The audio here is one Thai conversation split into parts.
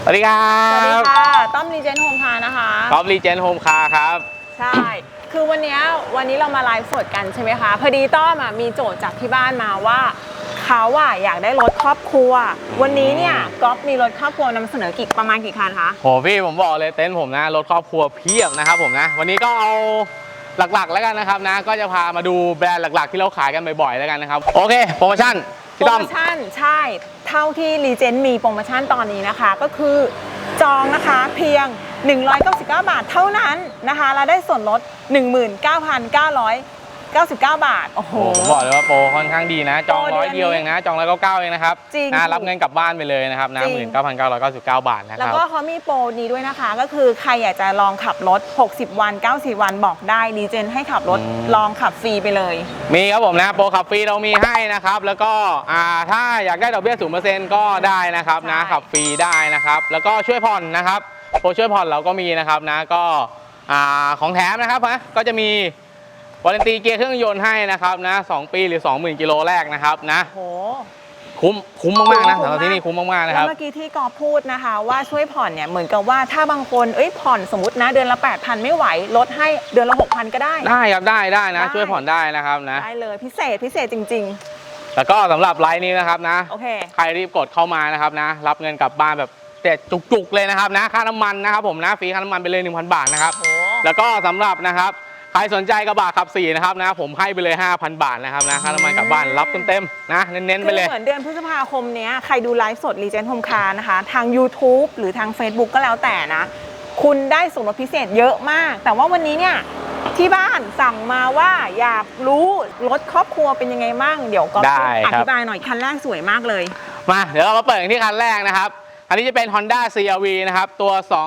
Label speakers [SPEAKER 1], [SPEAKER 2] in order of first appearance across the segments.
[SPEAKER 1] สวัสดีครับ
[SPEAKER 2] สวัสดีค่ะต้อมรีเจนโฮมคาร์นะคะ
[SPEAKER 1] ท็อปรีเจนโฮมคาร์ครับ
[SPEAKER 2] ใช่คือวันนี้เรามาไลฟ์สดกันใช่ไหมคะพอดีต้อมมีโจทย์จากที่บ้านมาว่าเขาอยากได้รถครอบครัววันนี้เนี่ยก๊อฟมีรถครอบครัวนำเสนอประมาณกี่คันคะ
[SPEAKER 1] โหพี่ผมบอกเลยเต็นท์ผมนะรถครอบครัวเพียบนะครับผมนะวันนี้ก็เอาหลักๆแล้วกันนะครับนะก็จะพามาดูแบรนด์หลักๆที่เราขายกันบ่อยๆแล้วกันนะครับโอเคโปรโมชั่นพี่ต้อม
[SPEAKER 2] ใช่เท่าที่รีเจนมีโปรโมชั่นตอนนี้นะคะก็คือจองนะคะเพียง199 บาทเท่านั้นนะคะแล้วได้ส่วนลด 19,999 บาทโอ้โห
[SPEAKER 1] ผมบอกเลยว่าโปรค่อนข้างดีนะจอง100 เดียวเองนะจอง199เองนะครับ
[SPEAKER 2] จริง
[SPEAKER 1] รับเงินกลับบ้านไปเลยนะครับนะ19,999 บาทนะครับ
[SPEAKER 2] แล้วก็เขามีโปรนี้ด้วยนะคะก็คือใครอยากจะลองขับรถ60 วัน90 วันบอกได้รีเจนให้ขับรถลองขับฟรีไปเลย
[SPEAKER 1] มีครับผมนะโปรขับฟรีเรามีให้นะครับแล้วก็ถ้าอยากได้ดอกเบี้ย 0% ก็ได้นะครับนะขับฟรีได้นะครับแล้วก็ช่วยผ่อนนะครับโปรช่วยผ่อนเราก็มีนะครับนะก็ของแถมนะครับก็จะมีวารันตีเกียร์เครื่องยนต์ให้นะครับนะ2 ปีหรือ 20,000 กิโลแรกนะครับนะ
[SPEAKER 2] โห
[SPEAKER 1] คุ้มมากๆนะสำหรับที่นี่คุ้มมากๆนะครับ
[SPEAKER 2] แล้วเมื่อกี้ที่กอพูดนะคะว่าช่วยผ่อนเนี่ยเหมือนกับว่าถ้าบางคนผ่อนสมมตินะเดือนละ 8,000 ไม่ไหวลดให้เดือนละ 6,000 ก็ได้
[SPEAKER 1] ครับได้นะช่วยผ่อนได้นะครับนะ
[SPEAKER 2] ได้เลยพิเศษจริง
[SPEAKER 1] ๆแล้วก็สำหรับไลน์นี้นะครับนะ
[SPEAKER 2] โอเค
[SPEAKER 1] ใครรีบกดเข้ามานะครับนะรับเงินกลับบ้านแบบแต่จุกๆเลยนะครับนะค่าน้ำมันนะครับผมนะฟรีค่าน้ำมันไปเลย 1,000 บาทนะครับแล้วก็สำหรับนะครับใครสนใจกระบะขับ4นะครับนะผมให้ไปเลย 5,000 บาทนะครับนะค่าน้ำมันกลับบ้านรับเต็มๆนะเน้นๆไปเลย
[SPEAKER 2] เหมือนเดือนพฤษภาคมนี้ใครดูไลฟ์สดรีเจนโฮมคาร์นะคะทาง YouTube หรือทาง Facebook ก็แล้วแต่นะคุณได้ส่วนลดพิเศษเยอะมากแต่ว่าวันนี้เนี่ยที่บ้านสั่งมาว่าอยากรู้รถครอบครัวเป็นยังไงบ้างเดี๋ยวก็อธิบายหน่อยคันแรกสวยมากเลย
[SPEAKER 1] มาเดี๋ยวเรามาเปิดที่คันแรกนะครับอันนี้จะเป็น Honda CR-V นะครับตัว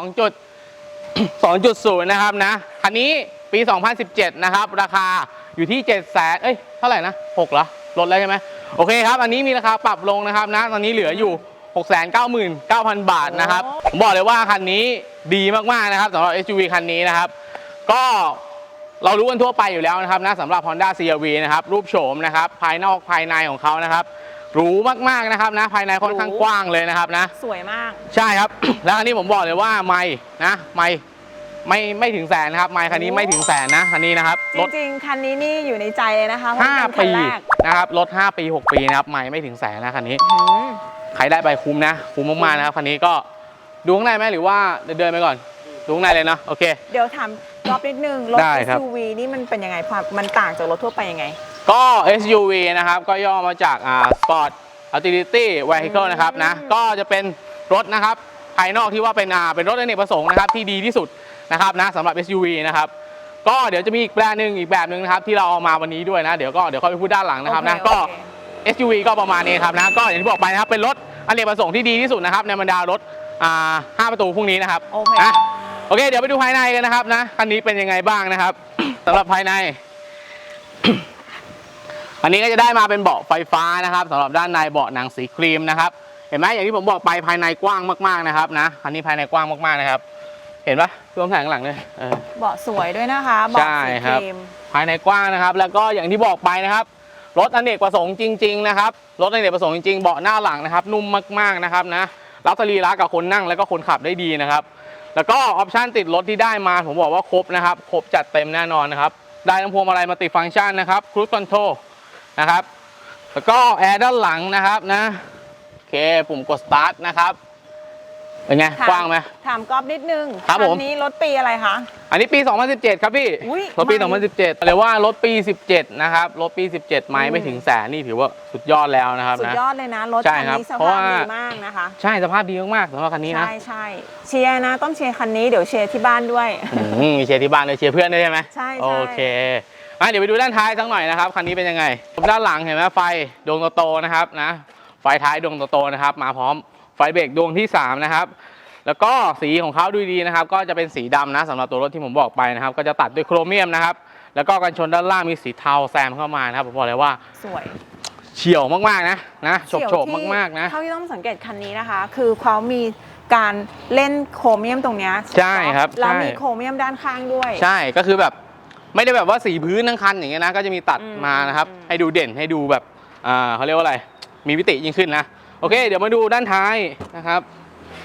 [SPEAKER 1] 2.0 นะครับนะคันนี้ปี 2017 นะครับราคาอยู่ที่ 700,000เท่าไหร่นะ6เหรอลดแล้วใช่ไหมโอเคครับอันนี้มีราคาปรับลงนะครับนะตอนนี้เหลืออยู่ 699,000 บาทนะครับผมบอกเลยว่าคันนี้ดีมากๆนะครับสำหรับ SUV คันนี้นะครับก็เรารู้กันทั่วไปอยู่แล้วนะครับนะสำหรับ Honda CR-V นะครับรูปโฉมนะครับภายนอกภายในของเขานะครับหรูมากๆนะครับนะภายในค่อนข้างกว้างเลยนะครับนะ
[SPEAKER 2] สวยมาก
[SPEAKER 1] ใช่ครับ แล้วอันนี้ผมบอกเลยว่าไม่ถึงแสนนะครับไมค์คันนี้ไม่ถึงแสนนะคันนี้นะครับ
[SPEAKER 2] จริงๆคันนี้นี่อยู่ในใจเลยนะคะ
[SPEAKER 1] 5 ปีนะครับรถ5 ปี 6 ปีนะครับไมค์ไม่ถึงแสนนะคันนี้ใครได้ไปคุ้มนะคุ้มมากๆนะครับคันนี้ก็ดูข้างในไหมหรือว่าเดินไปก่อนดูข้างในเลยนะโอเค
[SPEAKER 2] เดี๋ยวถามรอบนิดนึงรถ SUV นี่มันเป็นยังไงมันต่างจากรถทั่วไปยังไง
[SPEAKER 1] ก็ SUV นะครับก็ย่อมาจากSport Utility Vehicle นะครับนะก็จะเป็นรถนะครับภายนอกที่ว่าเป็นรถอเนกประสงค์นะครับที่ดีที่สุดนะครับนะสำหรับ SUV นะครับก็เดี๋ยวจะมีอีกแบรนด์หนึ่งอีกแบบหนึ่งนะครับที่เราเอามาวันนี้ด้วยนะเดี๋ยวค่อยไปพูดด้านหลังนะครับนะก็ SUV ก็ประมาณนี้ครับนะก็อย่างที่บอกไปนะครับเป็นรถอเนกประสงค์ที่ดีที่สุดนะครับในบรรดารถ5 ประตูพวกนี้นะครับโอเคเดี๋ยวไปดูภายในกันนะครับนะคันนี้เป็นยังไงบ้างนะครับสำหรับภายในอันนี้ก็จะได้มาเป็นเบาะไฟฟ้านะครับสำหรับด้านในเบาะหนังสีครีมนะครับเห็นไหมอย่างที่ผมบอกไปภายในกว้างมากๆนะครับนะคันนี้ภายในกว้างมากๆนะครับเห็นปะรวมแผงหลังเลย
[SPEAKER 2] เบาะสวยด้วยนะคะเบาะสีครีม
[SPEAKER 1] ภายในกว้างนะครับแล้วก็อย่างที่บอกไปนะครับรถอเนกประสงค์จริงๆนะครับรถอเนกประสงค์จริงๆเบาะหน้าหลังนะครับนุ่มมากๆนะครับนะรับสรีระกับคนนั่งแล้วก็คนขับได้ดีนะครับแล้วก็ออปชั่นติดรถที่ได้มาผมบอกว่าครบนะครับครบจัดเต็มแน่นอนนะครับได้ทั้งพวงมาลัยมัลติฟังก์ชันนะครับครูซคอนโทรลนะครับแล้วก็แอร์ด้านหลังนะครับนะโอเคปุ่มกดสตาร์ทนะครับเป็นไงกว้างไหม
[SPEAKER 2] ถามก๊อฟนิดนึง
[SPEAKER 1] ครับผม
[SPEAKER 2] นี้รถปีอะไรคะ
[SPEAKER 1] อันนี้ปี 2017 ครับพี่รถปี 2017เลยว่ารถปี 17 นะครับรถปี 17ไม้ไม่ถึงแสนนี่ถือว่าสุดยอดแล้วนะครับ
[SPEAKER 2] สุดยอดเลยนะรถคันนี้สภาพดีมากนะคะ
[SPEAKER 1] ใช่สภาพดีมากๆสำหรับคันนี้นะ
[SPEAKER 2] ใช่เชียร์นะต้องเชียร์คันนี้เดี๋ยวเชียร์ที่บ้านด้วย
[SPEAKER 1] มีเชียร์ที่บ้านด้วยเชียร์เพื่อนด้วยใช่ไหม
[SPEAKER 2] ใช่
[SPEAKER 1] โอเคเดี๋ยวไปดูด้านท้ายสักหน่อยนะครับคันนี้เป็นยังไงด้านหลังเห็นไหมไฟดวงโตๆนะครับนะไฟท้ายดวงโตๆนะครับมาพร้อมไฟเบรกดวงที่3นะครับแล้วก็สีของเขาดูดีนะครับก็จะเป็นสีดำนะสำหรับตัวรถที่ผมบอกไปนะครับก็จะตัดด้วยโครเมียมนะครับแล้วก็กันชนด้านล่างมีสีเทาแซมเข้ามานะครับผมบอกเลยว่า
[SPEAKER 2] สวย
[SPEAKER 1] เฉียวมากๆนะโฉบมากๆนะ
[SPEAKER 2] เท่าที่ต้องสังเกตคันนี้นะคะคือเขามีการเล่นโครเมียมตรงนี้
[SPEAKER 1] ใช่ครับ
[SPEAKER 2] แล้วมีโครเมียมด้านข้างด้วย
[SPEAKER 1] ใช่ก็คือแบบไม่ได้แบบว่าสีพื้นทั้งคันอย่างเงี้ยนะก็จะมีตัดมานะครับให้ดูเด่นให้ดูแบบเขาเรียกว่าอะไรมีมิติยิ่งขึ้นนะโอเคเดี๋ยวมาดูด้านท้ายนะครับ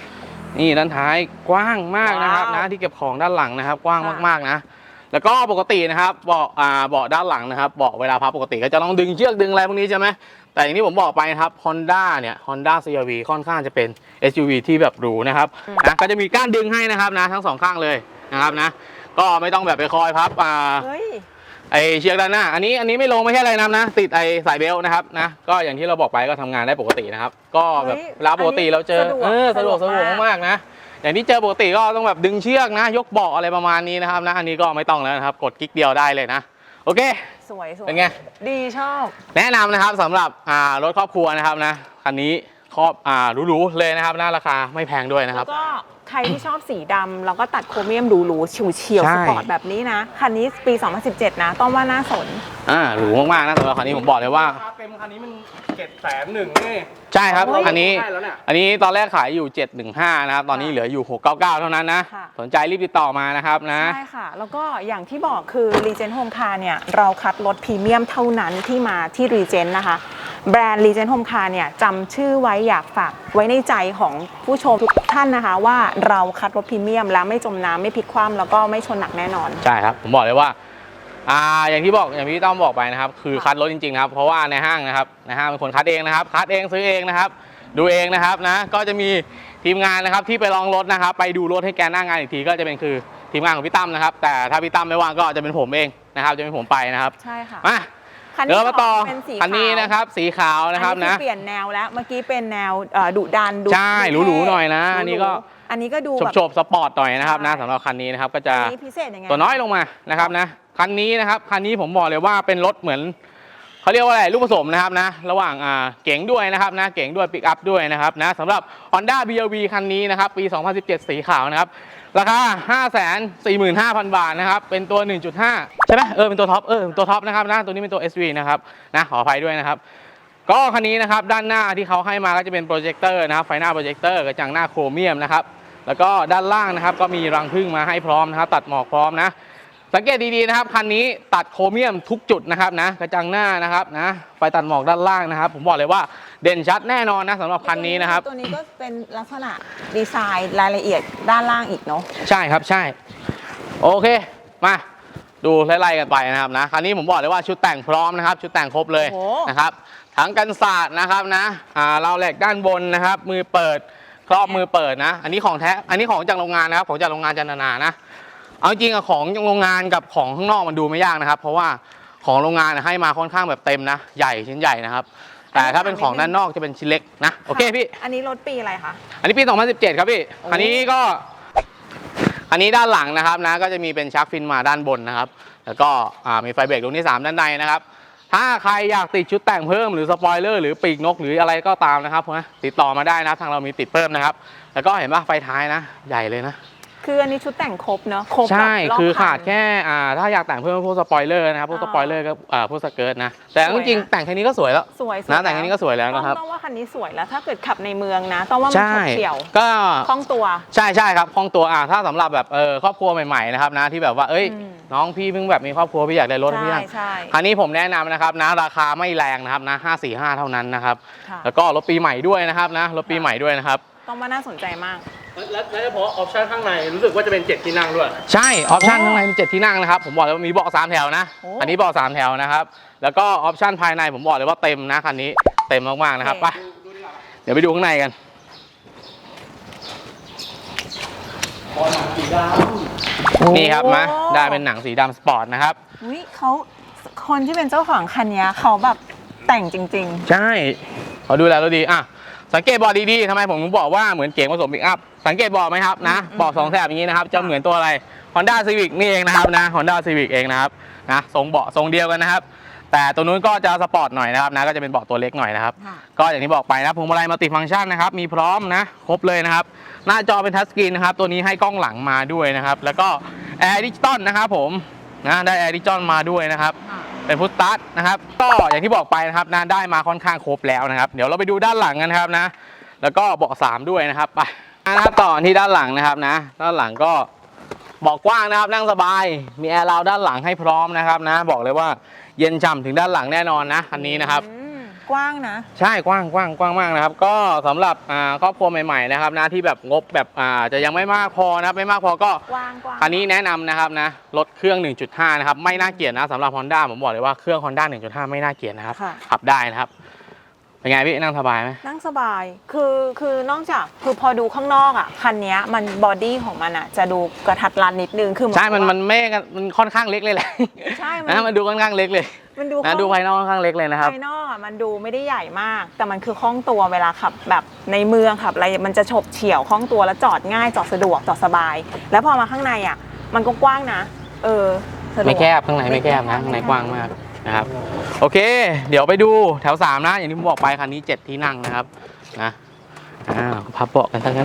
[SPEAKER 1] นี่ด้านท้ายกว้างมากนะครับ
[SPEAKER 2] ว้าว
[SPEAKER 1] นะที่เก็บของด้านหลังนะครับ กว้าง
[SPEAKER 2] ค่ะ
[SPEAKER 1] มากๆนะแล้วก็ปกตินะครับเบาะด้านหลังนะครับเบาะเวลาพับปกติก็จะต้องดึงเชือกดึงอะไรพวกนี้ใช่ไหมแต่อย่างที่ผมบอกไปนะครับ Honda เนี่ย Honda CR-V ค่อนข้างจะเป็น SUV ที่แบบหรูนะครับนะก็จะมีก้านดึงให้นะครับนะทั้งสองข้างเลยนะครับนะก็ไม่ต้องแบบไปคอยพับ
[SPEAKER 2] เฮ้ย
[SPEAKER 1] ไอเชือกด้านหน้าอันนี้ไม่ลงไม่ใช่อะไรนะติดไอสายเบลต์นะครับนะก็อย่างที่เราบอกไปก็ทำงานได้ปกตินะครับก็แบบ
[SPEAKER 2] เฮ้ย
[SPEAKER 1] เวลาปกติเราเจอ
[SPEAKER 2] สะดวก
[SPEAKER 1] สะดวกมากนะอย่างที่เจอปกติก็ต้องแบบดึงเชือกนะยกเบาะอะไรประมาณนี้นะครับนะอันนี้ก็ไม่ต้องแล้วนะครับกดคลิกเดียวได้เลยนะโอเค
[SPEAKER 2] สวยสวย
[SPEAKER 1] เป็นไง
[SPEAKER 2] ดีชอบ
[SPEAKER 1] แนะนำนะครับสำหรับรถครอบครัวนะครับนะคันนี้ครอบหรูๆเลยนะครับนะราคาไม่แพงด้วยนะครับ
[SPEAKER 2] แล้วก็ใครที่ชอบสีดำแล้วก็ตัดโครเมียมหรูๆเฉียว
[SPEAKER 1] ใช่
[SPEAKER 2] ๆสปอร์ตแบบนี้นะ คันนี้ปี 2017 นะต้องว่าน่าสน
[SPEAKER 1] หรูมากๆนะสำหรับคันนี้ผมบอกเลยว่า
[SPEAKER 3] เต็มคันนี้มัน700,000นี่
[SPEAKER 1] ใช่ครับ
[SPEAKER 2] เฮ้ย
[SPEAKER 1] คันนี้
[SPEAKER 3] ใช่แล้วเนี่ย
[SPEAKER 1] อันนี้ตอนแรกขายอยู่ 715 นะครับ ตอนนี้เหลืออยู่ 699 เท่านั้นนะ
[SPEAKER 2] ค่ะ
[SPEAKER 1] สนใจรีบติดต่อมานะครับนะ
[SPEAKER 2] ใช่ค่ะ แล้วก็อย่างที่บอกคือ Regent Home Car เนี่ย เราคัดรถพรีเมียมเท่านั้นที่มาที่ Regent นะคะ แบรนด์ Regent Home Car เนี่ยจำชื่อไว้อยากฝากไว้ในใจของผู้ชมทุกท่านนะคะว่าเราคัดรถพรีเมียมแล้วไม่จมน้ำไม่พลิกคว่ำแล้วก็ไม่ชนหนักแน่นอน
[SPEAKER 1] ใช่ครับ ผมบอกเลยว่าอย่างที่พี่ต้อมบอกไปนะครับคือคัดรถจริงๆนะครับเพราะว่าในห้างนะครับในห้างเป็นคนคัดเองนะครับคัดเองซื้อเองนะครับดูเองนะครับนะก็จะมีทีมงานนะครับที่ไปลองรถนะครับไปดูรถให้แกหน้างานอีกทีก็จะเป็นคือทีมงานของพี่ตั้มนะครับแต่ถ้าพี่ตั้มไม่ว่างก็จะเป็นผมเองนะครับจะเป็นผมไปนะครับ
[SPEAKER 2] ใช่ค่ะ
[SPEAKER 1] มา
[SPEAKER 2] คัน
[SPEAKER 1] เดี๋ยว
[SPEAKER 2] ที่
[SPEAKER 1] เรามาต่อ
[SPEAKER 2] เป็นสี
[SPEAKER 1] คันนี้นะครับสีขาวนะครับ
[SPEAKER 2] อั
[SPEAKER 1] นะ
[SPEAKER 2] เปลี่ยนแนวแล้วเมื่อกี้เป็นแนวดุดันดู
[SPEAKER 1] ใช่หรูๆหน่อยนะ
[SPEAKER 2] หรูๆ
[SPEAKER 1] อันนี้ก็
[SPEAKER 2] อันนี้ก็ดู
[SPEAKER 1] โฉ
[SPEAKER 2] แบบ
[SPEAKER 1] บๆสปอร์ตหน่อยนะครับนะ
[SPEAKER 2] ใช่
[SPEAKER 1] สำหรับคันนี้นะครับก็จะ
[SPEAKER 2] อันนี้พิเศษยังไง
[SPEAKER 1] ตัวน้อยลงมานะครับนะคันนี้นะครับคันนี้ผมบอกเลยว่าเป็นรถเหมือนเขาเรียกว่าอะไรลูกผสมนะครับนะระหว่างเก๋งด้วยนะครับนะเก๋งด้วยปิกอัพด้วยนะครับนะสำหรับ Honda BRV คันนี้นะครับปี 2017 สีขาวนะครับราคา 545,000 บาทนะครับเป็นตัว 1.5 ใช่ไหมเป็นตัวท็อปเป็นตัวท็อปนะครับนะตัวนี้เป็นตัว SV นะครับนะขออภัยด้วยนะครับก็คันนี้นะครับด้านหน้าที่เขาให้มาก็จะเป็นโปรเจคเตอร์นะครับไฟหน้าโปรเจคเตอร์กระจังหน้าโครเมียมนะครับแล้วก็ด้านล่างนะครับก็มีรังผึ้งมาให้พร้อมนะครับตัดหมอกพร้อมนะสังเกตดีๆนะครับคันนี้ตัดโครเมียมทุกจุดนะครับนะกระจังหน้านะครับนะไฟตัดหมอกด้านล่างนะครับผมบอกเลยว่าเด่นชัดแน่นอนนะสำหรับคันนี้นะครับ
[SPEAKER 2] ตัวนี้ก็เป็นลักษณะดีไซน์รายละเอียดด้านล่างอีกเนาะ
[SPEAKER 1] ใช่ครับใช่โอเคมาดูไล่ๆกันไปนะครับนะคันนี้ผมบอกเลยว่าชุดแต่งพร้อมนะครับชุดแต่งครบเลย
[SPEAKER 2] โอ้
[SPEAKER 1] นะครับทั้งกันศาสตร์นะครับนะเราวแหลกด้านบนนะครับมือเปิดครอบมือเปิดนะอันนี้ของแท้อันนี้ของจากโรงงานนะครับของจากโรงงานจันทนานะเอาจริงอะของโรงงานกับของข้างนอกมันดูไม่ยากนะครับเพราะว่าของโรงงานให้มาค่อนข้างแบบเต็มนะใหญ่ชิ้นใหญ่นะครับแต่ถ้าเป็นของด้านนอกจะเป็นชิ้นเล็กนะโอเคพี่
[SPEAKER 2] อันนี้รถปีอะไรคะ
[SPEAKER 1] อันนี้ปี 2017 ครับพี่
[SPEAKER 2] โอ้
[SPEAKER 1] อันนี้ก็ อันนี้ด้านหลังนะครับนะ ก็จะมีเป็นชักฟินมาด้านบนนะครับ แล้วก็มีไฟเบรกดวงที่ 3 ด้านในนะครับ ถ้าใครอยากติดชุดแต่งเพิ่มหรือสปอยเลอร์หรือปีกนกหรืออะไรก็ตามนะครับติดต่อมาได้นะทางเรามีติดเพิ่มนะครับ แล้วก็เห็นป่ะไฟท้ายนะ ใหญ่เลยนะ
[SPEAKER 2] คืออันนี้ชุดแต่งครบเนาะครบ
[SPEAKER 1] ใช่
[SPEAKER 2] แบบรบ
[SPEAKER 1] คือ
[SPEAKER 2] คัน
[SPEAKER 1] ขาดแค่ถ้าอยากแต่งเพิ่มพวกสปอยเลอร์นะครับพวกสปอยเลอร์ก็พวกสเกิร์ตนะ แต่
[SPEAKER 2] สวยนะ
[SPEAKER 1] จริงๆแต่งแค่นี้ก็สวยแล้ว
[SPEAKER 2] สวย
[SPEAKER 1] นะแต่งแค่นี้ก็สวยแล้วนะครับ
[SPEAKER 2] ต้องว่าคันนี้สวยแล้วถ้าเกิดขับในเมืองนะ ต้องว่ามัน
[SPEAKER 1] ใช่
[SPEAKER 2] ขับเฉี่ยว
[SPEAKER 1] ก็
[SPEAKER 2] คล่องตัว
[SPEAKER 1] ใช่ครับคล่องตัวถ้าสำหรับแบบครอบครัวใหม่ๆนะครับนะที่แบบว่าเอ้ย
[SPEAKER 2] อืม
[SPEAKER 1] น้องพี่เพิ่งแบบมีครอบครัวพี่อยากได้รถพี่
[SPEAKER 2] ใช่
[SPEAKER 1] นะ
[SPEAKER 2] ใช่
[SPEAKER 1] คันนี้ผมแนะนำนะครับนะราคาไม่แรงนะครับนะ545เท่านั้นนะครับ
[SPEAKER 2] ค่ะ
[SPEAKER 1] แล้วก็รถปีใหม่ด้วยนะครับนะรถปีใหม่ด้วยนะครับ
[SPEAKER 2] ต้องว่าน่าสนใจมาก
[SPEAKER 3] และเฉพาะออปชั่นข้างในรู้สึกว่าจะเป็น7ที่นั่งด้วย
[SPEAKER 1] ใช่ออปชั่นข้างในมี7ที่นั่งนะครับผมบอกเลยว่ามีเบาะ3แถวนะ
[SPEAKER 2] โอ้
[SPEAKER 1] อันนี้เบาะ3แถวนะครับแล้วก็ออปชั่นภายในผมบอกเลยว่าเต็มนะคันนี้เต็มมากๆนะครับไปเดี๋ยวไปดูข้างในกัน นี่ครับมาได้เป็นหนังสีดำสปอร์ตนะครับ
[SPEAKER 2] อุ๊ยเขาคนที่เป็นเจ้าของคันนี้เขาแบบแต่งจริง
[SPEAKER 1] ใช่เขาดูแลเราดีสังเกตเบาะดีๆทำไมผมถึงบอกว่าเหมือนเก๋งผสมปิกอัพสังเกตเบาะไหมครับนะเบาะ2 แถบอย่างนี้นะครับจะเหมือนตัวอะไร Honda Civic นี่เองนะครับนะ Honda Civic เองนะครับนะทรงเบาะทรงเดียวกันนะครับแต่ตัวนู้นก็จะสปอร์ตหน่อยนะครับนะก็จะเป็นเบาะตัวเล็กหน่อยนะครับ
[SPEAKER 2] ค่ะ
[SPEAKER 1] ก็อย่างที่บอกไปนะพวงมาลัยมัลติฟังก์ชันนะครับมีพร้อมนะครบเลยนะครับหน้าจอเป็นทัชสกรีนนะครับตัวนี้ให้กล้องหลังมาด้วยนะครับแล้วก็แอร์ดิจิตอลนะครับผมนะได้แอร์ดิจิตอลมาด้วยนะครับ เป็นพุทสตาร์ทนะครับก็อย่างที่บอกไปนะครับนะได้มาค่อนข้างครบแล้วนะครับเดี๋ยวเราไปดูด้านหลังกันนะครับนะแล้วก็เบาะ3ด้วยนะครับไปนะครับต่อที่ด้านหลังนะครับนะด้านหลังก็เบาะกว้างนะครับนั่งสบายมีแอร์ราวด้านหลังให้พร้อมนะครับนะบอกเลยว่าเย็นฉ่ำถึงด้านหลังแน่นอนนะคันนี้นะครับ
[SPEAKER 2] อืมกว้างนะ
[SPEAKER 1] ใช่กว้างมากนะครับก็สำหรับครอบครัวใหม่ๆนะครับนะที่แบบงบแบบจะยังไม่มากพอนะครับไม่มากพอก็
[SPEAKER 2] กว้าง
[SPEAKER 1] คันนี้แนะนำนะครับนะรถเครื่อง 1.5 นะครับไม่น่าเกลียดนะสำหรับ Honda ผมบอกเลยว่าเครื่อง Honda 1.5 ไม่น่าเกลียดนะครับ
[SPEAKER 2] ค่ะ
[SPEAKER 1] ขับได้นะครับเป็นไงพี่นั่งสบายไหม
[SPEAKER 2] นั่งสบายคือนอกจากคือพอดูข้างนอกอ่ะคันนี้มันบอดี้ของมันอ่ะจะดูกระทัดรัดนิดนึงคือ
[SPEAKER 1] ใช่มันไม่มันค่อนข้างเล็กเลยแหละ
[SPEAKER 2] ใช่
[SPEAKER 1] นะมันดูค่อนข้างเล็กเลย
[SPEAKER 2] มันดู
[SPEAKER 1] นะดูภายนอกค่อนข้างเล็กเลยนะครับ
[SPEAKER 2] ภายนอกอ่ะมันดูไม่ได้ใหญ่มาก แต่มันคือคล่องตัวเวลาขับแบบในเมืองขับอะไรมันจะฉบเฉี่ยวคล่องตัวแล้วจอดง่ายจอดสะดวกจอดสบาย แล้วพอมาข้างในอ่ะมันก็กว้างนะสะดวก
[SPEAKER 1] ไม่แคบข้างในไม่แคบนะข้างในกว้างมากนะครับโอเค เดี๋ยวไปดูแถว 3 นะอย่างที่ผมบอกไปคันนี้ 7 ที่นั่งนะครับนะพับเบาะกันทั้งนั้น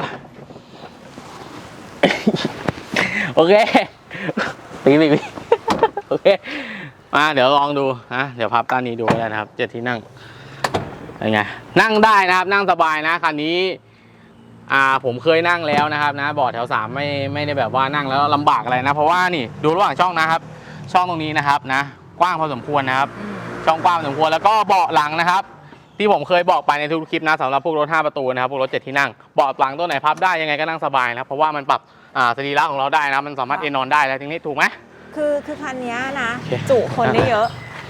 [SPEAKER 1] โอเคปีโอเคมาเดี๋ยวลองดูนะเดี๋ยวพับด้านนี้ดูก็ได้นะครับ7 ที่นั่งเป็นไงนั่งได้นะครับนั่งสบายนะคันนี้ผมเคยนั่งแล้วนะครับนะเบาะแถว 3ไม่ได้แบบว่านั่งแล้วลำบากอะไรนะเพราะว่านี่ดูระหว่างช่องนะครับช่องตรงนี้นะครับนะกว้างพอสมควรนะครับช่องกว้างพอสมควรแล้วก็เบาะหลังนะครับที่ผมเคยบอกไปในทุกคลิปนะสำหรับพวกรถ5 ประตูนะครับพวกรถ7 ที่นั่งเบาะหลังตัวไหนพับได้ยังไงก็นั่งสบายนะเพราะว่ามันปรับสรีระของเราได้นะมันสามารถเอนนอนได้แล้วทีนี้ถูกไหม
[SPEAKER 2] คือคันนี้นะจุคนได้เยอะ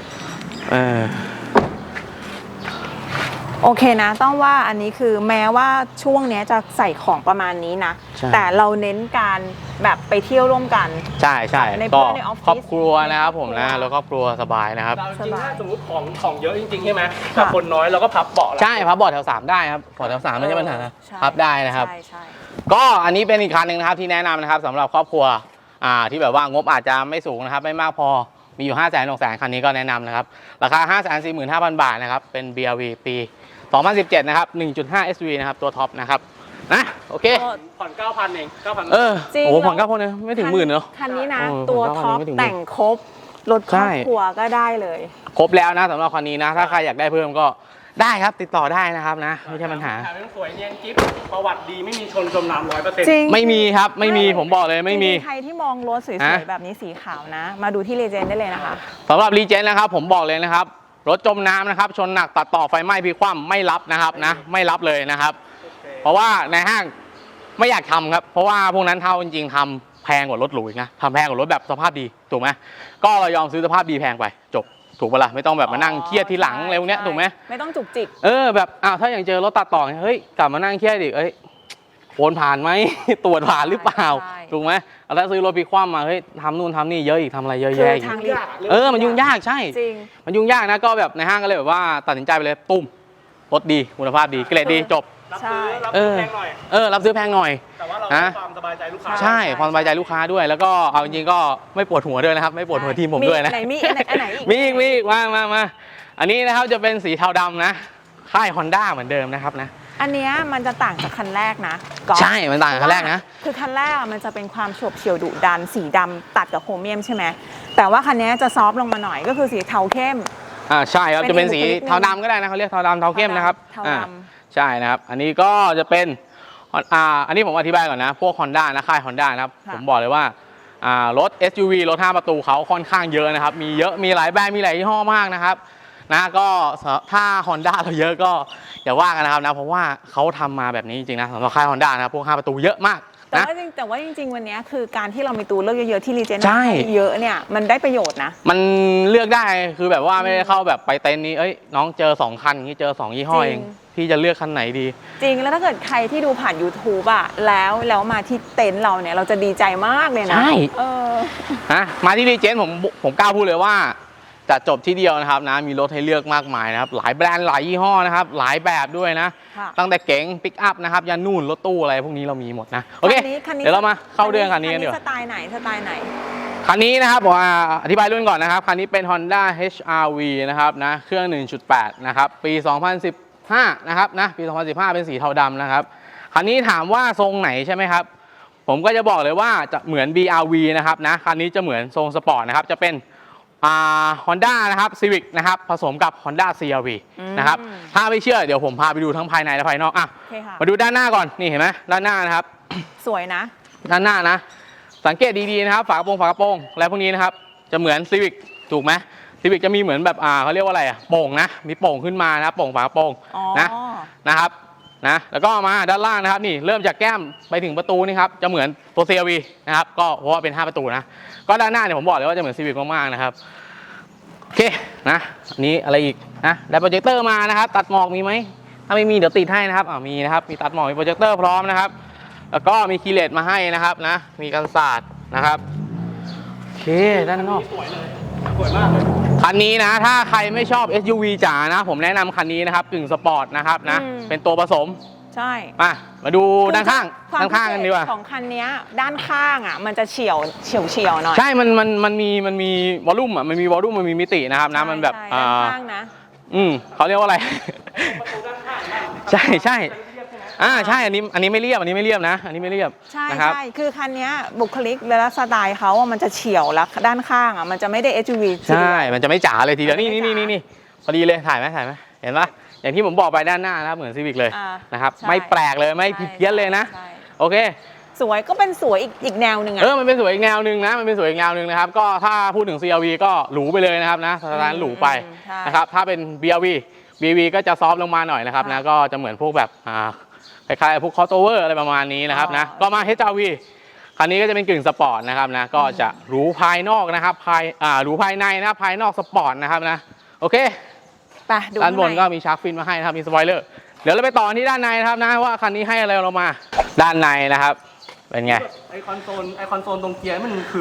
[SPEAKER 2] โอเคนะต้องว่าอันนี้คือแม้ว่าช่วงนี้จะใส่ของประมาณนี้นะแต่เราเน้นการแบบไปเที่ยวร่วมกัน
[SPEAKER 1] ใช่ก็
[SPEAKER 2] ในออฟฟิศ
[SPEAKER 1] ครอบครัวนะครับผมนะแล้วครอบครัวสบายนะครับ
[SPEAKER 3] เราจริงๆถ้าสมมติของเยอะจริงๆใช่ไหมแต่คนน้อยเราก็พับเบาะ
[SPEAKER 1] ใช่พับเบาะแถว 3ได้ครับเบาะแถว 3ไม่ใช่ปัญหาพับได้นะครับ
[SPEAKER 2] ใช่
[SPEAKER 1] ก็อันนี้เป็นอีกคันหนึ่งนะครับที่แนะนำนะครับสำหรับครอบครัวที่แบบว่างบอาจจะไม่สูงนะครับไม่มากพอมีอยู่ 560,000 คันนี้ก็แนะนำนะครับราคา 545,000 บาทนะครับเป็น BRV ปี 2017 นะครับ 1.5 SV นะครับตัวท็อปนะครับนะโอเค
[SPEAKER 3] ผ่อน 9,000 เอง 9,000
[SPEAKER 2] จริง
[SPEAKER 1] โอ้ผ่อน9,000เลยไม่ถึงหมื่นเนาะ
[SPEAKER 2] คันนี้นะ
[SPEAKER 1] เออ
[SPEAKER 2] ตัว
[SPEAKER 1] ผมว่า
[SPEAKER 2] ท็อป
[SPEAKER 1] ไม่ถึงหมื่น
[SPEAKER 2] แต่งครบรถครอบครัวก็ได้เลย
[SPEAKER 1] ครบแล้วนะสำหรับคันนี้นะถ้าใครอยากได้เพิ่มก็ได้ครับติดต่อได้นะครับนะไม่ใช่ปัญหา
[SPEAKER 3] แถมยังสวยเนียนกิ๊บประวัติดีไม่มีชนจมน้ำ100%
[SPEAKER 2] จริง
[SPEAKER 1] ไม่มีครับไม่มีผมบอกเลยไม่มี
[SPEAKER 2] ใครที่มองรถสวยๆแบบนี้สีขาวนะ มาดูที่เลเจนได้เลยนะคะ
[SPEAKER 1] สำหรับรีเจนนะครับผมบอกเลยนะครับรถจมน้ำนะครับชนหนักตัดต่อไฟไหม้พลิกคว่ำไม่รับนะครับนะไม่รับเลยนะครับ เพราะว่าในห้างไม่อยากทำครับเพราะว่าพวกนั้นเท่าจริงๆทำแพงกว่ารถหรูอีกนะทำแพงกว่ารถแบบสภาพดีถูกไหมก็เรายอมซื้อสภาพดีแพงไปจบถูกปะล่ะไม่ต้องแบบมานั่งเครียดทีหลังอะไรพวกเนี้ยถูกไหม
[SPEAKER 2] ไม่ต้องจุกจิก
[SPEAKER 1] แบบถ้าอย่างเจอรถตัดต่อเฮ้ยกลับมานั่งเครียดอีกโอนผ่านไหม ตรวจผ่านหรือเปล่า
[SPEAKER 2] ใช่
[SPEAKER 1] ถูกไหมแล้วซื้อรถพลิกคว่ำมาเฮ้ยทำนู่นทำนี่เยอะอีกทำอะไรเยอะแยะอีก
[SPEAKER 2] ทาง
[SPEAKER 1] มันยุ่งยากใช่
[SPEAKER 2] จริง
[SPEAKER 1] มันยุ่งยากนะก็แบบในห้างก็เลยแบบว่าตัดสินใจไปเลยตุ้มรถดีคุณภาพดีเกรดดีจบ
[SPEAKER 3] รับซื้อแพงหน่อย
[SPEAKER 1] รับซื้อแพงหน่อย
[SPEAKER 3] แต่ว่าเราให้ความสบายใจลูกค้า
[SPEAKER 1] ใช่ความสบายใจลูกค้าด้วย แล้วก็เอาจริงๆก็ไม่ปวดหัวด้วยนะครับไม่ปวดหัวทีมผมด้วยนะ
[SPEAKER 2] ไหนมีอันไหนอีก
[SPEAKER 1] มีอีกมาอันนี้นะครับจะเป็นสีเทาดำนะค่าย Honda เหมือนเดิมนะครับนะ
[SPEAKER 2] อันเนี้ยมันจะต่างจากคันแรกนะก๊อฟ
[SPEAKER 1] ใช่มันต่างกับคันแรกนะ
[SPEAKER 2] คือคันแรกอะมันจะเป็นความโฉบเฉี่ยวดุดันสีดำตัดกับโครเมียมใช่ไหมแต่ว่าคันเนี้ยจะซอฟต์ลงมาหน่อยก็คือสีเทาเข้ม
[SPEAKER 1] ใช่ครับ
[SPEAKER 2] เป็น
[SPEAKER 1] จะเป็นสี
[SPEAKER 2] อีกบุคลิกหนึ่ง
[SPEAKER 1] เทาดำก็ได้นะเขาเรียกเทาดำเทาเข้มนะครับ
[SPEAKER 2] เทาดำ
[SPEAKER 1] ใช่นะครับอันนี้ก็จะเป็นอันนี้ผมอธิบายก่อนนะพวก Honda นะค่าย Honda นะครับผมบอกเลยว่ารถ SUV รถ 5 ประตูเขาค่อนข้างเยอะนะครับมีเยอะมีหลายแบรนด์มีหลายยี่ห้อมากนะครับนะก็ถ้า Honda เราเยอะก็อย่าว่ากันนะครับนะเพราะว่าเขาทำมาแบบนี้จริงๆนะสำหรับค่าย Honda นะครับพวก 5 ประตูเยอะมาก
[SPEAKER 2] แต่ว่าจริงๆวันเนี้ยคือการที่เรามีตัวเลือกเยอะๆที่รีเจน
[SPEAKER 1] ใช่
[SPEAKER 2] เยอะเนี่ยมันได้ประโยชน์นะ
[SPEAKER 1] มันเลือกได้คือแบบว่าไม่ได้เข้าแบบไปเต็นท์นี้น้องเจอ2คันอย่างนี้เจอ2ยี่ห้อเองพี่จะเลือกคันไหนดี
[SPEAKER 2] จริงแล้วถ้าเกิดใครที่ดูผ่าน YouTube อะแล้วมาที่เต็นท์เราเนี่ยเราจะดีใจมากเลยนะ
[SPEAKER 1] ใช่
[SPEAKER 2] มา
[SPEAKER 1] ที่รีเจนผมกล้าพูดเลยว่าจะจบที่เดียวนะครับนะมีรถให้เลือกมากมายนะครับหลายแบรนด์หลายยี่ห้อนะครับหลายแบบด้วยนะ
[SPEAKER 2] ค่ะ
[SPEAKER 1] ตั้งแต่เก๋งปิกอัพนะครับยันนู่นรถตู้อะไรพวกนี้เรามีหมดนะโอเค
[SPEAKER 2] คันนี้
[SPEAKER 1] เดี๋ยวเรามาเข้าเรื่องคันนี้กันดีก
[SPEAKER 2] ส
[SPEAKER 1] ว่า
[SPEAKER 2] ไตล์ไหน
[SPEAKER 1] คันนี้นะครับผมอธิบายรุ่นก่อนนะครับคันนี้เป็น Honda HR-V นะครับนะเครื่อง 1.8 นะครับปี 2015 นะครับนะปี 2015 เป็นสีเทาดำนะครับคันนี้ถามว่าทรงไหนใช่ไหมครับผมก็จะบอกเลยว่าจะเหมือน BRV นะครับนะคันนี้จะเหมือนทรงสปอร์ตนะครับจะเป็นHonda นะครับ Civic นะครับผสมกับ Honda CR-V นะครับถ้าไม่เชื่อเดี๋ยวผมพาไปดูทั้งภายในและภายนอกมาดูด้านหน้าก่อนนี่เห็นไหมด้านหน้านะครับ
[SPEAKER 2] สวยนะ
[SPEAKER 1] ด้านหน้านะสังเกตดีๆนะครับฝากระโปรงและพวกนี้นะครับจะเหมือน Civic ถูกไหมซีวิกจะมีเหมือนแบบเขาเรียกว่าอะไรโป่งนะมีโป่งขึ้นมานะโป่งฝากระโปรง
[SPEAKER 2] อ๋อ
[SPEAKER 1] นะครับนะแล้วก็มาด้านล่างนะครับนี่เริ่มจากแก้มไปถึงประตูนี่ครับจะเหมือนตัว CRV นะครับก็เพราะว่าเป็น5ประตูนะก็ด้านหน้าเนี่ยผมบอกเลยว่าจะเหมือนซีวิกมากๆนะครับโอเคนะอันนี้อะไรอีกนะได้โปรเจคเตอร์มานะครับตัดหมอกมีไหมถ้าไม่มีเดี๋ยวติดให้นะครับมีนะครับมีตัดหมอกมีโปรเจคเตอร์พร้อมนะครับแล้วก็มีคีย์เลสมาให้นะครับนะมีกันศาสตร์นะครับโอเคด้านนอก
[SPEAKER 3] สวยเลยสวยมากเลย
[SPEAKER 1] คันนี้นะถ้าใครไม่ชอบ SUV จ๋านะผมแนะนำคันนี้นะครับกึ่งสปอร์ตนะครับนะเป็นตัวผสม
[SPEAKER 2] ใช่
[SPEAKER 1] มาดูด้านข้าง
[SPEAKER 2] ควม
[SPEAKER 1] ด้านข้างกันดีกว่า
[SPEAKER 2] พิเศษของคันเนี้ยด้านข้างอ่ะมันจะเฉียวหน่อย
[SPEAKER 1] ใช่มันมีวอลลุ่มอ่ะมันมีวอลลุ่มมันมีมิตินะครับนะมันแบบ
[SPEAKER 2] ใช่ด้านข้างนะ
[SPEAKER 1] เขาเรียกว่าอะไร
[SPEAKER 3] ประตูด้านข้างบ้าง
[SPEAKER 1] ใช่ใช่อันนี้ไม่เรียบอันนี้ไม่เรียบนะอันนี้ไม่เรียบ
[SPEAKER 2] ใช่
[SPEAKER 1] นะครับ
[SPEAKER 2] ใช่คือคันเนี้ยบุคลิกและสไตล์เขาอะมันจะเฉียวแล้วด้านข้างอ่ะมันจะไม่ได้ SUV ทีเดียว
[SPEAKER 1] ใช่มันจะไม่จ๋าเลยทีเดียว
[SPEAKER 2] มันไม่
[SPEAKER 1] นี่
[SPEAKER 2] จ๋า
[SPEAKER 1] พอดีเลยถ่ายไหมเห็นปะอย่างที่ผมบอกไปด้านหน้านะครับเหมือนซีวิกเลย
[SPEAKER 2] อ่า
[SPEAKER 1] นะครับ
[SPEAKER 2] ใช่
[SPEAKER 1] ไม่แปลกเลยไม่ผิดเพี้ยนเลยนะ
[SPEAKER 2] ใช่
[SPEAKER 1] โอเค
[SPEAKER 2] สวยก็เป็นสวยอีกแนวหนึ่งอ่ะ
[SPEAKER 1] มันเป็นสวยอีกแนวหนึ่งนะมันเป็นสวยอีกแนวหนึ่งนะครับก็ถ้าพูดถึง CRV ก็หรูไปเลยนะครับนะสถานหรูไป
[SPEAKER 2] ใช่
[SPEAKER 1] นะครับถ้าเป็น BRV ก็จะซอฟต์ลงมาหน่อยนะครับนะก็จะเหมือนพวกแบบคล้ายๆพวก crossover อะไรประมาณนี้นะครับนะก็มา HRV คันนี้ก็จะเป็นกึ่งสปอร์ตนะครับนะก็จะหรูภายนอกนะครับหรูภายในนะครับภายนอกสปอร์ตนะครับนะโอเค
[SPEAKER 2] ไปดู
[SPEAKER 1] ด้านบน
[SPEAKER 2] ข้งใ
[SPEAKER 1] ก็มีชาร์กฟินมาให้นะครับมีสปอยเลอร์เดี๋ยวเราไปต่อที่ด้านในนะครับนะว่าคันนี้ให้อะไรเรามาด้านในนะครับเป็นไง
[SPEAKER 3] ไอคอนโซลตรงเกียร์มันคือ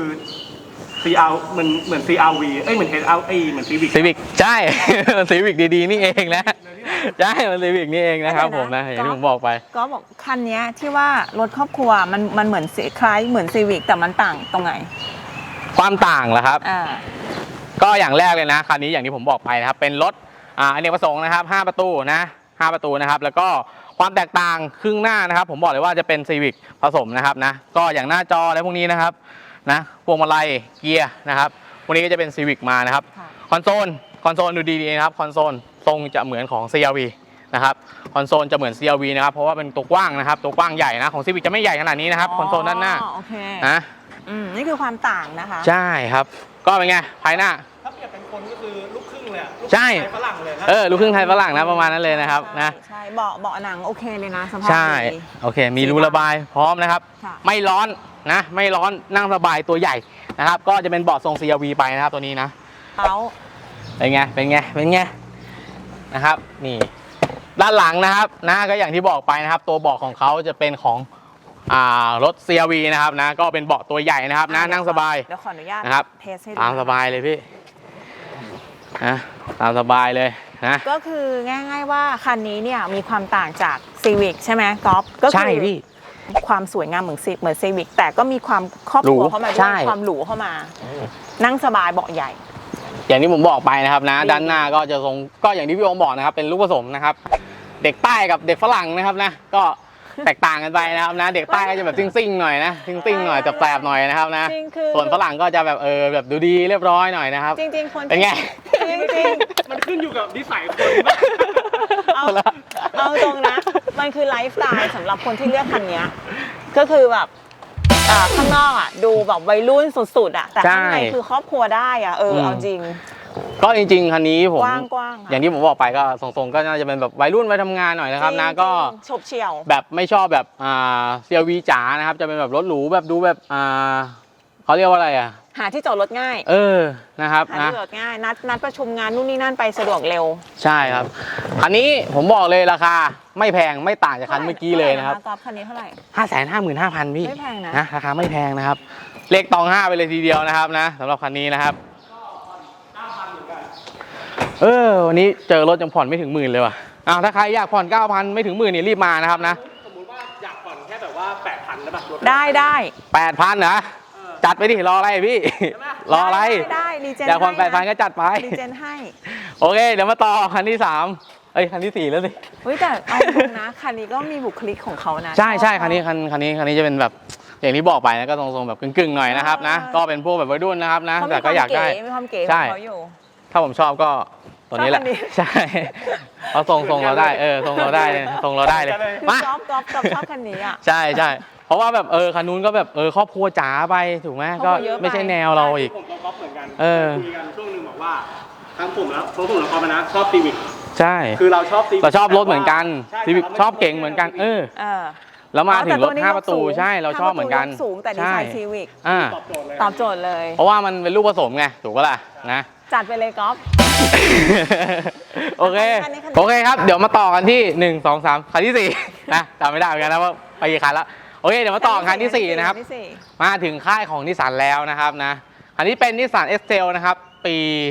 [SPEAKER 3] CR เหมือน CRV เหมือน HRV เหมือน Civic
[SPEAKER 1] ซีวิกใช่ ซีวิกดีๆนี่เองนะใช่มันซีวิกนี่เองนะครับผมนะอย่างที่ผมบอกไป
[SPEAKER 2] ก็บอกคันเนี้ยที่ว่ารถครอบครัวมันเหมือนคล้ายเหมือนซีวิกแต่มันต่างตรงไหน
[SPEAKER 1] ความต่างเหรอครับ
[SPEAKER 2] อ่า
[SPEAKER 1] ก็อย่างแรกเลยนะคันนี้อย่างที่ผมบอกไปนะครับเป็นรถอเนกประสงค์นะครับ5ประตูนะ5ประตูนะครับแล้วก็ความแตกต่างครึ่งหน้านะครับผมบอกเลยว่าจะเป็นซีวิกผสมนะครับนะก็อย่างหน้าจออะไรพวกนี้นะครับนะพวงมาลัยเกียร์นะครับพวกนี้ก็จะเป็นซีวิกมานะครับ
[SPEAKER 2] ค่ะ
[SPEAKER 1] คอนโซลดูดีๆนะครับคอนโซลทรงจะเหมือนของ CRV นะครับคอนโซลจะเหมือน CRV นะครับเพราะว่าเป็นตัวกว้างนะครับตัวกว้างใหญ่นะของซีวิกจะไม่ใหญ่ขนาดนี้นะครับคอนโซลด้านหน้า
[SPEAKER 2] โอเค
[SPEAKER 1] นะ
[SPEAKER 2] นี่คือความต่างนะคะ
[SPEAKER 1] ใช่ครับก็เป็นไงภายหน้า
[SPEAKER 3] ถ้าเปรียบเป็นคนก็คือลูกครึ่งเลยอะลูก
[SPEAKER 1] ใช่
[SPEAKER 3] ไทยฝรั่งเลยนะ
[SPEAKER 1] ลูกครึ่งไทยฝรั่งนะประมาณนั้นเลยนะครับนะ
[SPEAKER 2] ใช่เบาะหนังโอเคเลยนะสภาพ
[SPEAKER 1] ใช่
[SPEAKER 2] ดี
[SPEAKER 1] โอเคมีรูระบายพร้อมนะครับ
[SPEAKER 2] ค่ะ
[SPEAKER 1] ไม่ร้อนนะไม่ร้อนนั่งสบายตัวใหญ่นะครับก็จะเป็นเบาะทรง CRV ไปนะครับตัวนี้นะ
[SPEAKER 2] เขา
[SPEAKER 1] เป็นไงนะครับนี่ด้านหลังนะครับนะก็อย่างที่บอกไปนะครับตัวเบาะของเขาจะเป็นของรถ CRV นะครับนะก็เป็นเบาะตัวใหญ่นะครับนะนั่งสบาย
[SPEAKER 2] เดี๋ยวขออนุญาต
[SPEAKER 1] นะครับ
[SPEAKER 2] เทสให้ดู
[SPEAKER 1] ตามสบายเลยพี่นะตามสบายเลยนะ
[SPEAKER 2] ก็คือง่ายๆว่าคันนี้เนี่ยมีความต่างจาก Civic ใช่ไหมก๊อฟก็
[SPEAKER 1] ใช่
[SPEAKER 2] คือ
[SPEAKER 1] พี่
[SPEAKER 2] ความสวยงามเหมือนCivic แต่ก็มีความครอบครัว
[SPEAKER 1] หรู
[SPEAKER 2] เข้ามาด้
[SPEAKER 1] ใช่
[SPEAKER 2] วยความหรูเข้ามา นั่งสบายเบาะใหญ่
[SPEAKER 1] อย่างที่ผมบอกไปนะครับนะด้านหน้าก็จะทรงก็อย่างที่พี่โอมบอกนะครับเป็นลูกผสมนะครับเด็กใต้กับเด็กฝรั่งนะครับนะก็แตกต่างกันไปนะครับนะเด็กใต้ก็จะแบบซิ่งๆหน่อยนะซิ่งๆหน่อยแสบๆหน่อยนะครับนะ
[SPEAKER 2] จริงคือ
[SPEAKER 1] ส่วนฝรั่งก็จะแบบแบบดูดีเรียบร้อยหน่อยนะครับ
[SPEAKER 2] จริงๆคน
[SPEAKER 1] เป็นไง
[SPEAKER 2] จริง
[SPEAKER 3] มันขึ้นอยู่กับนิสัยคน
[SPEAKER 2] ๆเอาตรงนะ มันคือไลฟ์สไตล์สำหรับคนที่เลือกคันเนี้ยก็คือแบบข้างนอกอ่ะดูแบบวัยรุ่นสุดๆอ่ะแต่ข้างในคือครอบครัวได้อ่ะเอาจริง
[SPEAKER 1] ก็จริงๆคันนี้ผม
[SPEAKER 2] กว้างๆค่ะ
[SPEAKER 1] อย่างที่ผมบอกไปก็ทรงๆก็น่าจะเป็นแบบวัยรุ่นวัยทำงานหน่อยนะครับนะก็
[SPEAKER 2] ฉบเฉี่ยว
[SPEAKER 1] แบบไม่ชอบแบบCRV จ๋านะครับจะเป็นแบบรถหรูแบบดูแบบเขาเรียกว่าอะไรอ่ะ
[SPEAKER 2] หาที่จอดรถง่าย
[SPEAKER 1] นะครับ
[SPEAKER 2] หา
[SPEAKER 1] นะ
[SPEAKER 2] ที่จอดง่ายนัดประชุมงานนู่นนี่นั่นไปสะดวกเร็ว
[SPEAKER 1] ใช่ครับคันนี้ผมบอกเลยราคาไม่แพงไม่ต่างจากคันเมื่อกี้เลยนะครับ
[SPEAKER 2] กอล์ฟคันนี้เท่าไหร่
[SPEAKER 1] 555,000พี่
[SPEAKER 2] ไม่แพงนะ
[SPEAKER 1] ราคาไม่แพงนะครับเลขตอง5ไปเลยทีเดียวนะครับนะสำหรับคันนี้นะครับวันนี้เจอรถยังผ่อนไม่ถึงหมื่นเลยว่ะถ้าใครอยากผ่อน 9,000 ไม่ถึงหมื่นนี่รีบมานะครับนะ
[SPEAKER 3] สมมติว่าอยากผ่อนแค่แบบว่า 8,000แล้วแบบรถ
[SPEAKER 2] ได้
[SPEAKER 1] 8,000นะจัดไปดิรออะไรพี่ รออะไร
[SPEAKER 2] ได้รีเจน
[SPEAKER 1] อยากผ่อน8,000ก็จัดไป
[SPEAKER 2] รีเจนให้
[SPEAKER 1] โอเคเดี๋ยวมาต่อคันที่3คันที่4แล้วสิ
[SPEAKER 2] เฮ้ยแต่เอาตรงนะคันนี้ก็มีบุคลิกของเขานะ
[SPEAKER 1] ใช่คันนี้จะเป็นแบบอย่างที่บอกไปนะก็ทรงๆแบบกึ่งๆหน่อยนะครับนะก็เป็นพวกแบบวัยรุ่นนะครับนะ
[SPEAKER 2] เขา
[SPEAKER 1] แต่
[SPEAKER 2] มีค
[SPEAKER 1] ก็
[SPEAKER 2] วาม
[SPEAKER 1] อยากได้
[SPEAKER 2] เก๋มีความเก๋ข
[SPEAKER 1] ใช่
[SPEAKER 2] องเขาอยู่
[SPEAKER 1] ถ้าผมชอบก็ตัวนี้แหละ
[SPEAKER 2] ชอบอันนี้
[SPEAKER 1] ใช่เพราะทรงเราได้ทรงเราได้เลยทรงเราได้เลย
[SPEAKER 2] คือ
[SPEAKER 1] มา
[SPEAKER 2] ก๊อฟชอบคันนี้อ่ะ
[SPEAKER 1] ใช่เพราะว่าแบบคันนู้นก็แบบครอบครัวจ๋าไปถูกไหม
[SPEAKER 2] ครอบครั
[SPEAKER 1] ก็
[SPEAKER 2] วเยอะไป
[SPEAKER 1] ไม่ใช่แนวเราอีก
[SPEAKER 3] ผมก็ก๊อปเหมือนกัน
[SPEAKER 1] เออ
[SPEAKER 3] คุยกันช่วงหนึงบอกว่าทั้งผมแล้วทั้งผมแล้วก็มานะชอบซีวิก
[SPEAKER 1] ใช่
[SPEAKER 3] คือเราชอบซีวิก
[SPEAKER 1] เราชอบรถเหมือนกัน
[SPEAKER 3] ใช่
[SPEAKER 1] ซีวิก
[SPEAKER 3] แต่ราไม่
[SPEAKER 1] ชอบเก่งเหมือนกัน
[SPEAKER 2] เออ
[SPEAKER 1] แล้วมาถึงรถ
[SPEAKER 2] แต่
[SPEAKER 1] 5 ประตู
[SPEAKER 2] ยกสูง
[SPEAKER 1] ใช่เราชอบเหมือนกัน
[SPEAKER 2] 5ประตูยสูงแต่ดีไซน์ซีวิก
[SPEAKER 1] อ่า
[SPEAKER 3] ตอบโจทย์เลย
[SPEAKER 2] ตอบโจทย์เลย
[SPEAKER 1] เพราะว่ามันเป็นลูกผสมไงถูกปะล่ะนะ
[SPEAKER 2] จัดไปเลยก๊อฟ
[SPEAKER 1] โอเค
[SPEAKER 2] คันนี้
[SPEAKER 1] โอเคครับ เดี๋ยวมาต่อกันที่ 1 2 3 คันที่ 4 นะจำไม่ได้เหมือนกันนะว่าไปกี่คันแล้ว โอเค เดี๋ยวมาต่อคันที่ 4 นะครับ
[SPEAKER 2] คัที่สี่
[SPEAKER 1] มาถึงค่ายของนิสสันแล้วนะครับนะ อันนี้เป็นนิสสัน X-Trail นะครับ ปี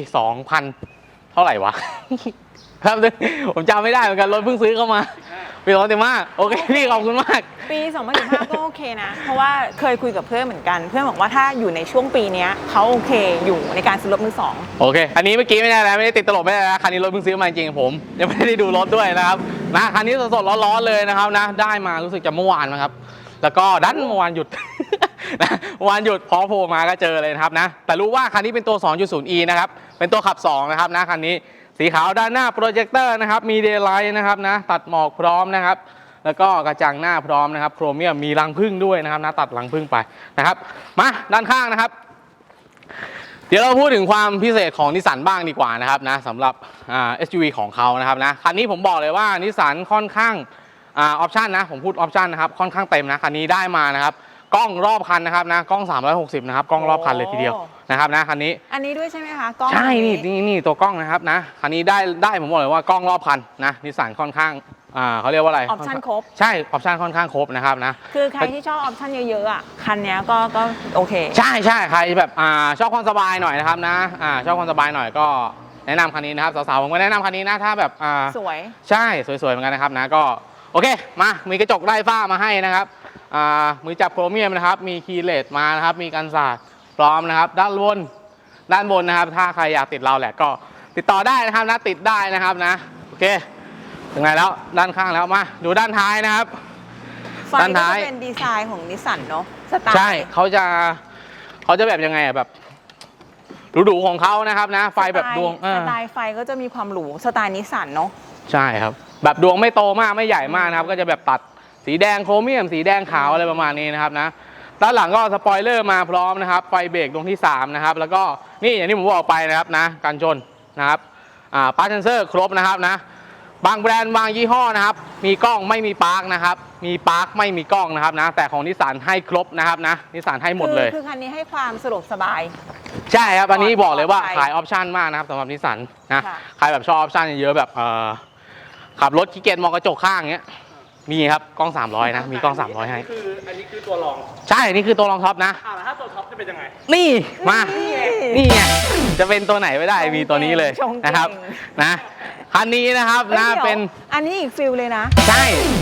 [SPEAKER 1] 2000 เท่าไหร่วะ ครับผมจำไม่ได้เหมือนกัน รถเพิ่งซื้อเข้ามา ปี2015โอเค พี่ขอบคุณมาก
[SPEAKER 2] ปี 2015 ก็โอเคนะ เพราะว่าเคยคุยกับเพื่อนเหมือนกัน เพื่อนบอกว่าถ้าอยู่ในช่วงปีเนี้ยเขาโอเคอยู่ในการซื้อรถมือสอง
[SPEAKER 1] โอเค อันนี้เมื่อกี้ไม่ได้แล้วไม่ได้ติดตลกไม่ได้แล้วคันนี้รถเพิ่งซื้อมาจริงๆผม ยังไม่ได้ดูรถด้วยนะครับนะคันนี้สดๆร้อนๆเลยนะครับนะได้มารู้สึกจะเมื่อวานนะครับ แล้วก็ดันเมื่อวานหยุด นะเมื่อวานหยุดพอโผล่มาก็เจอเลยนะครับนะแต่รู้ว่าคันนี้เป็นตัว 2.0e นะครับเป็นตัวขับ 2 นะครับนะคันนี้สีขาวด้านหน้าโปรเจคเตอร์นะครับมีเดย์ไลท์นะครับนะตัดหมอกพร้อมนะครับ แล้วก็กระจังหน้าพร้อมนะครับโครเมียมมีรังผึ้งด้วยนะครับนะตัดรังผึ้งไปนะครับมาด้านข้างนะครับ เดี๋ยวเราพูดถึงความพิเศษของนิสสันบ้างดีกว่านะครับนะสำหรับSUV ของเขานะครับนะคันนี้ผมบอกเลยว่านิสสันค่อนข้างออปชันนะผมพูดออปชันนะครับค่อนข้างเต็มนะคันนี้ได้มานะครับกล้องรอบคันนะครับนะกล้อง360นะครับกล้องรอบคันเลยทีเดียวนะครับนะคันนี้
[SPEAKER 2] อันนี้ด้วยใช่ไหมคะกล้อง
[SPEAKER 1] ใช่
[SPEAKER 2] อั
[SPEAKER 1] นี่ตัวกล้องนะครับนะคันนี้ได้ผมบอกเลยว่ากล้องรอบคันนะนิสสันค่อนข้างเขาเรียกว่าอะไร
[SPEAKER 2] ออปชั่นครบ
[SPEAKER 1] ใช่ออปชันค่อนข้างครบนะครับนะ
[SPEAKER 2] คือใครที่ชอบออปชั่นเยอะๆอ่ะ คันเนี้ยก็โอเค
[SPEAKER 1] ใช่ใครแบบชอบความสบายหน่อยนะครับนะชอบความสบายหน่อยก็แนะนำคันนี้นะครับสาวๆผมก็แนะนำคันนี้นะถ้าแบบ
[SPEAKER 2] สวย
[SPEAKER 1] ใช่สวยๆเหมือนกันนะครับนะก็โอเคมามีกระจกไร้ฝ้ามาให้นะครับมือจับโครเมียมนะครับมีคีย์เลสมานะครับมีกันสาดพร้อมนะครับด้านบนนะครับถ้าใครอยากติดเราแหละก็ติดต่อได้นะครับนะติดได้นะครับนะโอเคถึงไหนแล้วด้านข้างแล้วมาดูด้านท้ายนะครับ
[SPEAKER 2] ไฟ
[SPEAKER 1] ด้าน
[SPEAKER 2] ก็
[SPEAKER 1] ท้าย
[SPEAKER 2] จะเป็นดีไซน์ของนิสสันเนาะสไตล์
[SPEAKER 1] ใช่เขาจะแบบยังไงแบบหรูๆของเขานะครับนะไฟแบบดวง
[SPEAKER 2] สไตล์ไฟก็จะมีความหรูสไตล์นิสสันเนาะ
[SPEAKER 1] ใช่ครับแบบดวงไม่โตมากไม่ใหญ่มากนะครับก็จะแบบตัดสีแดงโครเมียมสีแดงขาวอะไรประมาณนี้นะครับนะด้านหลังก็สปอยเลอร์มาพร้อมนะครับไฟเบรกดวงที่3นะครับแล้วก็นี่อย่างที่ผมบอกไปนะครับนะกันชนนะครับปาร์คเซนเซอร์ครบนะครับนะบางแบรนด์บางยี่ห้อนะครับมีกล้องไม่มีปาร์คนะครับมีปาร์คไม่มีกล้องนะครับนะแต่ของนิสสันให้ครบนะครับนะนิสสันให้หมดเลย
[SPEAKER 2] คือคันนี้ให้ความสะดวกสบาย
[SPEAKER 1] ใช่ครับอันนี้บอกเลยว่า
[SPEAKER 2] ปลอดภัย
[SPEAKER 1] ขายออปชันมากนะครับสำหรับนิสสันนะ
[SPEAKER 2] ค่ะ
[SPEAKER 1] ใครแบบชอบออปชันเยอะๆแบบขับรถขี้เกียจมองกระจกข้างเงี้ยมีครับกล้อง300นะมีกล้อง300ให้
[SPEAKER 3] อันนี้คือตัวรอง
[SPEAKER 1] ใช่นี่คือตัวรองท็อปนะ
[SPEAKER 3] แล้วถ้าตัวท็อปจะเป็นยังไง
[SPEAKER 1] นี่มา
[SPEAKER 2] นี่
[SPEAKER 1] นี่ไงจะเป็นตัวไหนไม่ได้มีตัวนี้เลย
[SPEAKER 2] ชงเก่ง
[SPEAKER 1] นะครับนะคันนี้นะครับนะ
[SPEAKER 2] อ้ยดี๋ยว
[SPEAKER 1] เป็น
[SPEAKER 2] อันนี้อีกฟิลเลยนะ
[SPEAKER 1] ใช่